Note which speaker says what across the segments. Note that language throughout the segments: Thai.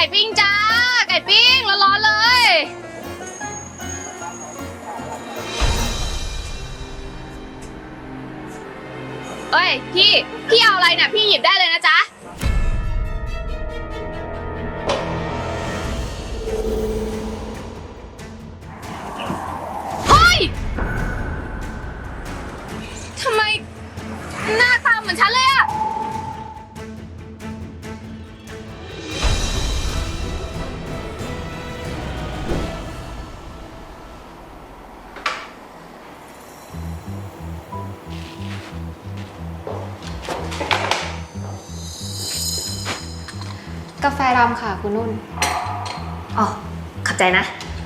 Speaker 1: ก่ปิ้งจ้าไก่ปิ้งร้อนๆเลยเอ้ยพี่เอาอะไรเนี่ยพี่หยิบได้เลยนะจ๊ะเฮ้ยทำไมหน้าตาเหมือนฉันเลยอะ
Speaker 2: กาแฟดำค่ะคุณนุ่น
Speaker 1: อ๋อขอบใจนะ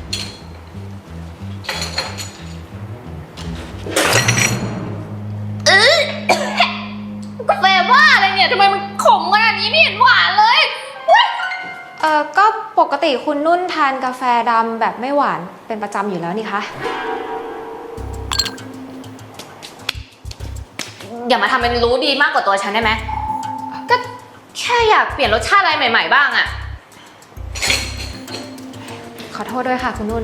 Speaker 1: กาแฟว่าอะไรเนี่ยทำไมมันขมขนาดนี้ไม่เห็นหวานเลย
Speaker 2: ก็ปกติคุณนุ่นทานกาแฟดำแบบไม่หวานเป็นประจำอยู่แล้วนี่คะ
Speaker 1: อย่ามาทำเป็นรู้ดีมากกว่าตัวฉันได้ไหมก็แค่อยากเปลี่ยนรสชาติอะไรใหม่ๆบ้างอะ
Speaker 2: ขอโทษด้วยค่ะคุณนุ่น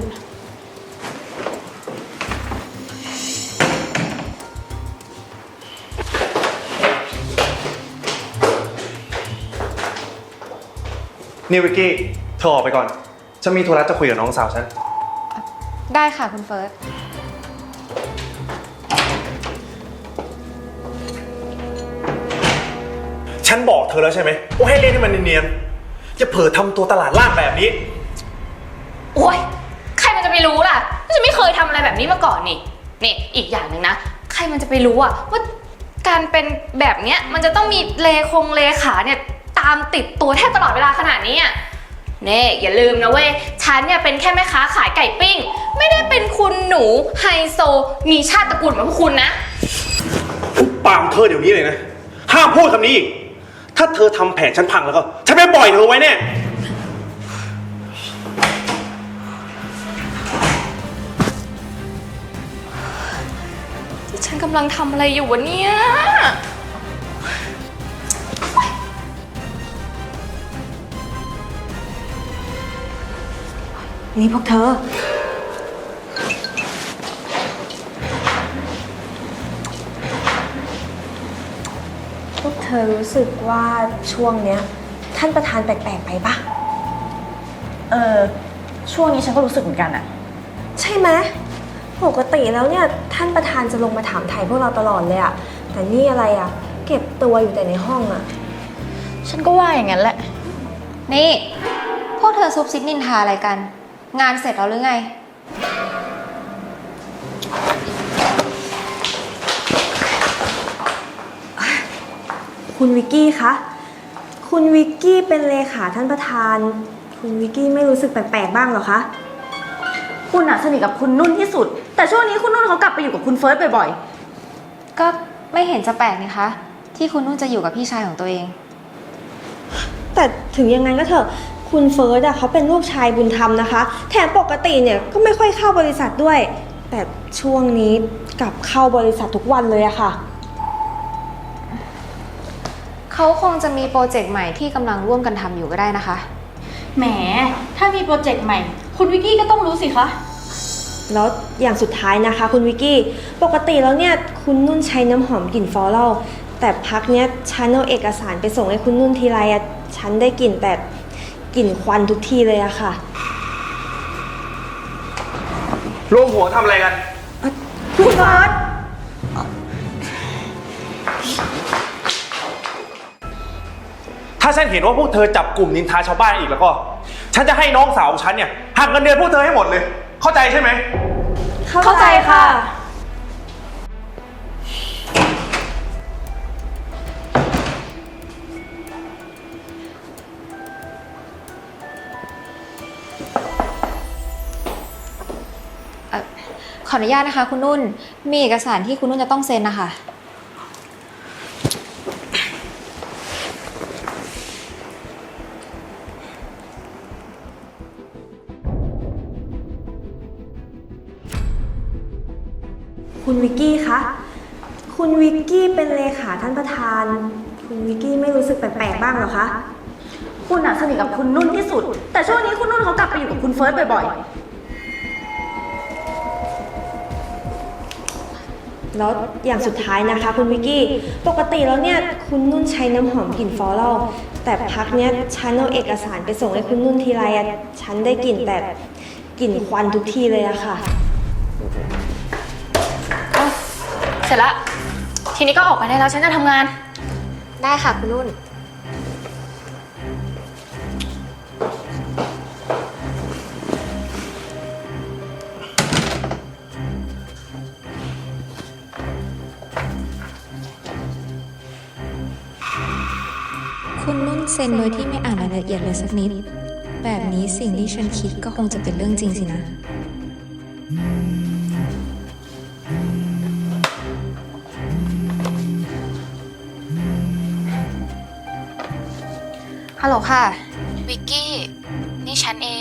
Speaker 3: นี่วิกกี้เธอออกไปก่อนฉันมีธุระจะคุยกับน้องสาวฉัน
Speaker 2: ได้ค่ะคุณเฟิร์ส
Speaker 3: ฉันบอกเธอแล้วใช่ไหมว่าให้เล่นให้มันเนียนๆอย่าเผลอทำตัวตลาดล่างแบบนี้
Speaker 1: โอ๊ยใครมันจะไปรู้ล่ะฉันไม่เคยทำอะไรแบบนี้มาก่อนนี่อีกอย่างหนึ่งนะใครมันจะไปรู้อะว่าการเป็นแบบเนี้ยมันจะต้องมีเลขาเนี่ยตามติดตัวแทบตลอดเวลาขนาดนี้อะเน่อย่าลืมนะเว้ยฉันเนี่ยเป็นแค่แม่ค้าขายไก่ปิ้งไม่ได้เป็นคุณหนูไฮโซมีชาติตระกูลเหมือนพวกคุณนะ
Speaker 3: ทุบปากเธอเดี๋ยวนี้เลยนะห้ามพูดคำนี้อีกถ้าเธอทำแผนฉันพังแล้วก็ฉันไม่ปล่อยเธอไว้แน่
Speaker 1: ฉันกำลังทำอะไรอยู่วะเนี่ย
Speaker 4: นี่พวกเธอรู้สึกว่าช่วงเนี้ยท่านประธานแปลกๆไปปะ
Speaker 5: ช่วงนี้ฉันก็รู้สึกเหมือนกันอะ
Speaker 4: ใช่ไหมปกติแล้วเนี่ยท่านประธานจะลงมาถามไถ่พวกเราตลอดเลยอะแต่นี่อะไรอะเก็บตัวอยู่แต่ในห้องอะ
Speaker 5: ฉันก็ว่าอย่างนั้นแหละ
Speaker 2: นี่พวกเธอซุบซิบนินทาอะไรกันงานเสร็จแล้วหรือไง
Speaker 4: คุณวิกกี้คะคุณวิกกี้เป็นเลขาท่านประธานคุณวิกกี้ไม่รู้สึกแปลกๆบ้างเหรอคะ
Speaker 5: คุณอะสนิทกับคุณนุ่นที่สุดแต่ช่วงนี้คุณนุ่นเขากลับไปอยู่กับคุณเฟิร์สบ่อย
Speaker 2: ๆก็ไม่เห็นจะแปลกนี่คะที่คุณนุ่นจะอยู่กับพี่ชายของตัวเอง
Speaker 4: แต่ถึงยังไงก็เถอะคุณเฟิร์สอะเขาเป็นลูกชายบุญธรรมนะคะแถมปกติเนี่ยก็ไม่ค่อยเข้าบริษัทด้วยแต่ช่วงนี้กลับเข้าบริษัททุกวันเลยอะค่ะ
Speaker 2: เขาคงจะมีโปรเจกต์ใหม่ที่กำลังร่วมกันทำอยู่ก็ได้นะคะ
Speaker 5: แหมถ้ามีโปรเจกต์ใหม่คุณวิกกี้ก็ต้องรู้สิคะ
Speaker 4: แล้วอย่างสุดท้ายนะคะคุณวิกกี้ปกติแล้วเนี่ยคุณนุ่นใช้น้ำหอมกลิ่นฟลอรัลแต่พักเนี้ยฉันเอาเอกสารไปส่งให้คุณนุ่นทีไรอะฉันได้กลิ่นแต่กลิ่นควันทุกทีเลยอะค่ะ
Speaker 3: รวมหัวทำอะไรกัน
Speaker 4: คุณเฟิร์ส
Speaker 3: ถ้าฉันเห็นว่าพวกเธอจับกลุ่มนินทาชาวบ้านอีกแล้วก็ฉันจะให้น้องสาวของฉันเนี่ยหักเงินเดือนพวกเธอให้หมดเลยเข้าใจใช่ไหม
Speaker 4: เข้าใจค่ะ
Speaker 2: ขออนุญาตนะคะคุณนุ่นมีเอกสารที่คุณนุ่นจะต้องเซ็นนะคะ
Speaker 4: คุณวิกกี้คะคุณวิกกี้เป็นเลขาท่านประธานคุณวิกกี้ไม่รู้สึกแปลกๆบ้างเหรอคะ
Speaker 5: คุคุณอะสนิทกับคุณนุ่นที่สุด แต่ช่วงนี้คุณนุ่นเขากลับไปอยู่กับคุณเฟิร์สบ่อย
Speaker 4: แล้วอย่างสุดท้ายนะคะคุณวิกกี้ ปกติแล้วเนี่ยคุณนุ่นใช้น้ำหอมกลิ่นฟลอรัลแต่พักเนี้ยฉันเอาเอกสารไปส่งให้คุณนุ่นทีไรอะฉันได้กลิ่นแต่กลิ่นควันทุกทีเลยอะค่ะ
Speaker 1: เสร็จละ ทีนี้ก็ออกไปได้แล้วฉันจะทำงาน
Speaker 2: ได้ค่ะคุณนุ่น
Speaker 6: คุณนุ่นเซ็นโดยที่ไม่อ่านรายละเอียดเลยสักนิด แบบนี้สิ่งที่ฉันคิดก็คงจะเป็นเรื่องจริงสินะ
Speaker 1: ฮัลโหลค่ะ วิกกี้ นี่ฉันเอง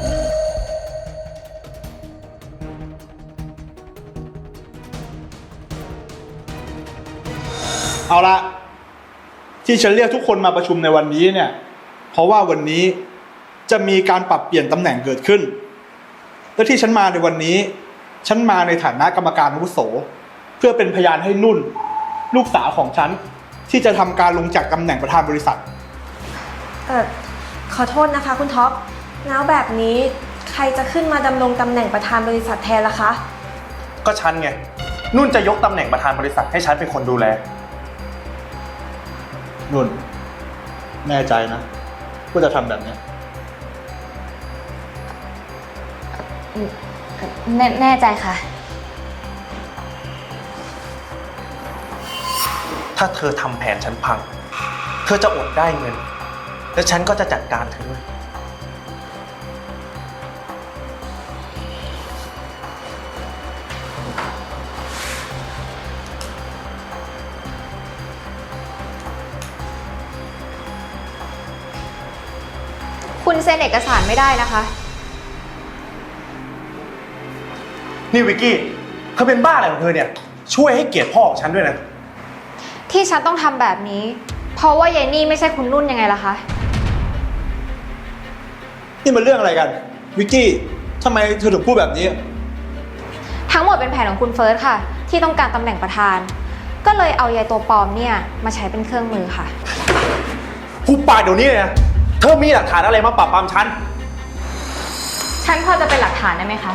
Speaker 7: เอาละที่ฉันเรียกทุกคนมาประชุมในวันนี้เนี่ยเพราะว่าวันนี้จะมีการปรับเปลี่ยนตำแหน่งเกิดขึ้นและที่ฉันมาในวันนี้ฉันมาในฐานะกรรมการอาวุโสเพื่อเป็นพยานให้นุ่นลูกสาวของฉันที่จะทำการลงจากตำแหน่งประธานบริษัท
Speaker 4: ขอโทษนะคะคุณท็อปแล้วแบบนี้ใครจะขึ้นมาดำรงตำแหน่งประธานบริษัทแทนล่ะคะ
Speaker 3: ก็ฉันไง นุ่นจะยกตำแหน่งประธานบริษัทให้ฉันเป็นคนดูแล
Speaker 7: นุ่นแน่ใจนะว่าจะทำแบบนี้
Speaker 1: แน่ใจค่ะ
Speaker 3: ถ้าเธอทำแผนฉันพัง เธอจะอดได้เงิน และฉันก็จะจัดการเธอด้วย
Speaker 2: คุณเซ็นเอกสารไม่ได้นะคะ
Speaker 3: นี่วิกกี้ เธอเป็นบ้าอะไรของเธอเนี่ย ช่วยให้เกียรติพ่อของฉันด้วยนะ
Speaker 2: ที่ฉันต้องทำแบบนี้ เพราะว่ายายนี่ไม่ใช่คุณนุ่นยังไงล่ะคะ
Speaker 7: นี่มันเรื่องอะไรกันวิกกี้ทำไมเธอถึงพูดแบบนี้
Speaker 2: ทั้งหมดเป็นแผนของคุณเฟิร์สค่ะ ที่ต้องการตำแหน่งประธาน ก็เลยเอายายตัวปลอมเนี่ยมาใช้เป็นเครื่องมือค่ะ
Speaker 3: หุบปากเดี๋ยวนี้เลยนะ เธอมีหลักฐานอะไรมาปราบปรามฉัน
Speaker 1: ฉันพอจะเป็นหลักฐานได้ไหมคะ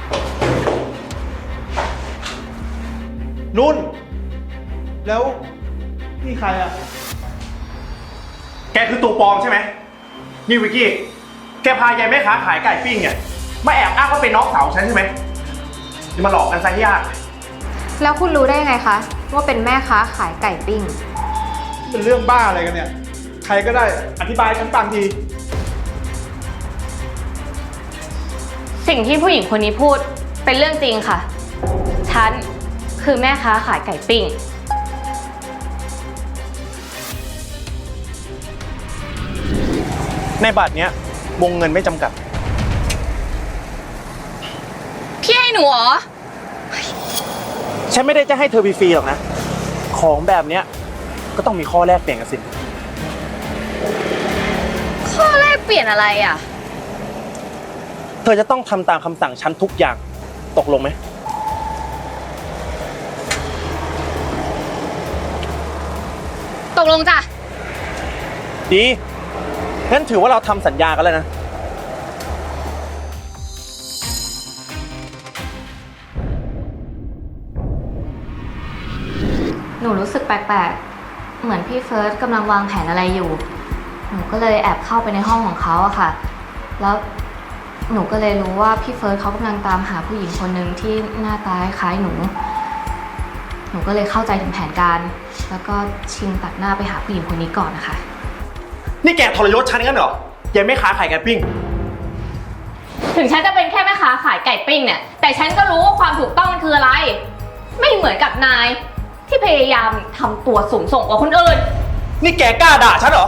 Speaker 7: นุ่น แล้วนี่ใครอะ
Speaker 3: แกคือตัวปลอมใช่ไหม นี่วิกกี้ แกพายายแม่ค้าขายไก่ปิ้งเนี่ยมาแอบอ้างว่าเป็นน้องสาวฉันใช่ไหมจะมาหลอกกันซะยาก
Speaker 2: แล้วคุณรู้ได้ยังไงคะ ว่าเป็นแม่ค้าขายไก่ปิ้ง
Speaker 7: เป็นเรื่องบ้าอะไรกันเนี่ย ใครก็ได้อธิบายฉันฟังที
Speaker 1: สิ่งที่ผู้หญิงคนนี้พูดเป็นเรื่องจริงค่ะ ฉันคือแม่ค้าขายไก่ปิ้ง
Speaker 3: ในบัตรเนี้ย วงเงินไม่จำกัด
Speaker 1: พี่ให้หนูเหรอ
Speaker 3: ฉันไม่ได้จะให้เธอฟรีๆหรอกนะ ของแบบเนี้ยก็ต้องมีข้อแลกเปลี่ยนกันสิ
Speaker 1: ข้อแรกเปลี่ยนอะไรอ่ะ
Speaker 3: เธอจะต้องทำตามคำสั่งฉันทุกอย่าง ตกลงไหม
Speaker 1: ตกลงจ้ะ
Speaker 3: ดี งั้นถือว่าเราทำสัญญากันแล้วนะ
Speaker 1: หนูรู้สึกแปลกๆ เหมือนพี่เฟิร์สกำลังวางแผนอะไรอยู่ หนูก็เลยแอบเข้าไปในห้องของเขาอะค่ะ แล้วหนูก็เลยรู้ว่าพี่เฟิร์สเขากำลังตามหาผู้หญิงคนหนึ่งที่หน้าตาคล้ายหนู หนูก็เลยเข้าใจถึงแผนการ แล้วก็ชิงตัดหน้าไปหาผู้หญิงคนนี้ก่อนนะคะ
Speaker 3: นี่แกทรยศฉันงั้นเหรอ ยังไม่ค้าขายไก่ปิ้ง
Speaker 1: ถึงฉันจะเป็นแค่แม่ค้าขายไก่ปิ้งเนี่ย แต่ฉันก็รู้ว่าความถูกต้องมันคืออะไร ไม่เหมือนกับนายที่พยายามทำตัวสูงส่งกว่าคนอื่น
Speaker 3: นี่แกกล้าด่าฉันเหรอ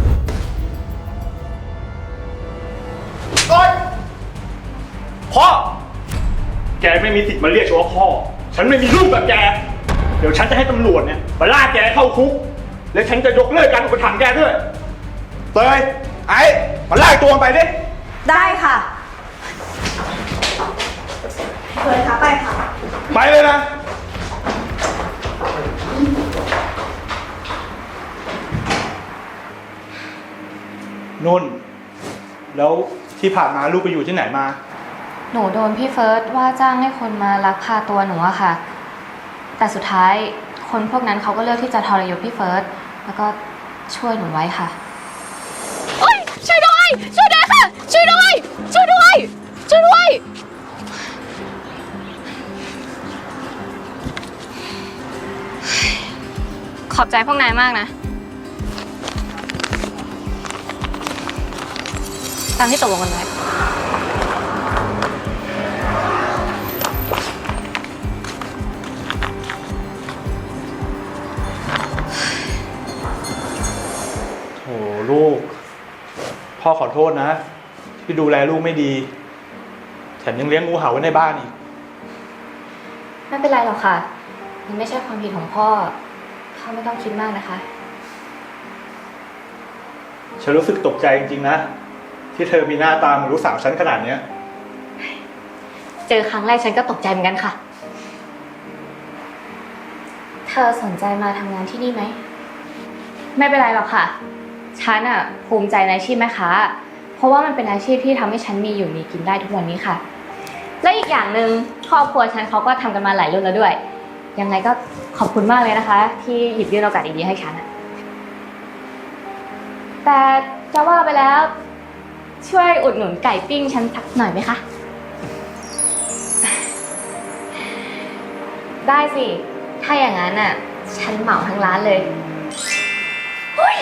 Speaker 3: โอ๊ย พ่อ แกไม่มีสิทธิ์มาเรียกฉันว่าพ่อ ฉันไม่มีลูกแบบแก เดี๋ยวฉันจะให้ตำรวจเนี่ยมาลากแกเข้าคุก และฉันจะยกเลิกการอุปถัมภ์แกด้วยเตย
Speaker 7: ไอ้มาลากตัวมันไปดิ
Speaker 4: ได้ค่ะเฟิร์สคะไปค่ะ
Speaker 7: ไปเลยนะ นุ่น แล้วที่ผ่านมาลูกไปอยู่ที่ไหนมา
Speaker 1: หนูโดนพี่เฟิร์สว่าจ้างให้คนมาลักพาตัวหนูอะค่ะ แต่สุดท้ายคนพวกนั้นเขาก็เลือกที่จะทรยศพี่เฟิร์สแล้วก็ช่วยหนูไว้ค่ะโอ๊ยช่วยด้วยช่วยด้วยค่ะช่วยด้วยช่วยด้วยช่วยด้วยขอบใจพวกนายมากนะตามที่ตกลงกันไว้
Speaker 7: โหลูก พ่อขอโทษนะ ที่ดูแลลูกไม่ดี แถมยังเลี้ยงงูเห่าไว้ในบ้านอีก
Speaker 1: ไม่เป็นไรหรอกค่ะ มันไม่ใช่ความผิดของพ่อไม่ต้องคิดมากนะคะ
Speaker 7: ฉันรู้สึกตกใจจริงๆนะ ที่เธอมีหน้าตาเหมือนลูกสาวฉันขนาดเนี้ย
Speaker 1: เจอครั้งแรกฉันก็ตกใจเหมือนกันค่ะ เธอสนใจมาทำงานที่นี่ไหม ไม่เป็นไรหรอกค่ะ ฉันอะภูมิใจในอาชีพแม่ค้า เพราะว่ามันเป็นอาชีพที่ทำให้ฉันมีอยู่มีกินได้ทุกวันนี้ค่ะ และอีกอย่างหนึ่งครอบครัวฉันเขาก็ทำกันมาหลายรุ่นแล้วด้วย ยังไงก็ขอบคุณมากเลยนะคะ ที่หยิบยื่นโอกาสดีๆให้ฉันอะแต่จะว่าไปแล้ว ช่วยอุดหนุนไก่ปิ้งฉันสักหน่อยไหมคะ ได้สิ ถ้าอย่างนั้นน่ะ ฉันเหมาทั้งร้านเลยเฮ้ย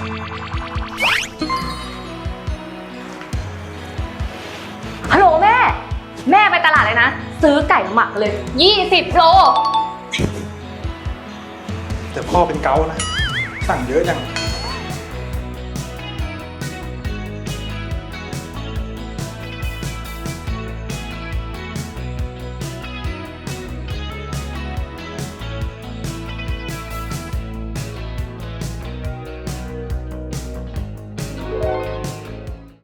Speaker 1: ฮัลโหลแม่ แม่ไปตลาดเลยนะ ซื้อไก่หมักเลย 20 โล
Speaker 7: แต่พ่อเป็นเกาต์นะ สั่งเยอะจัง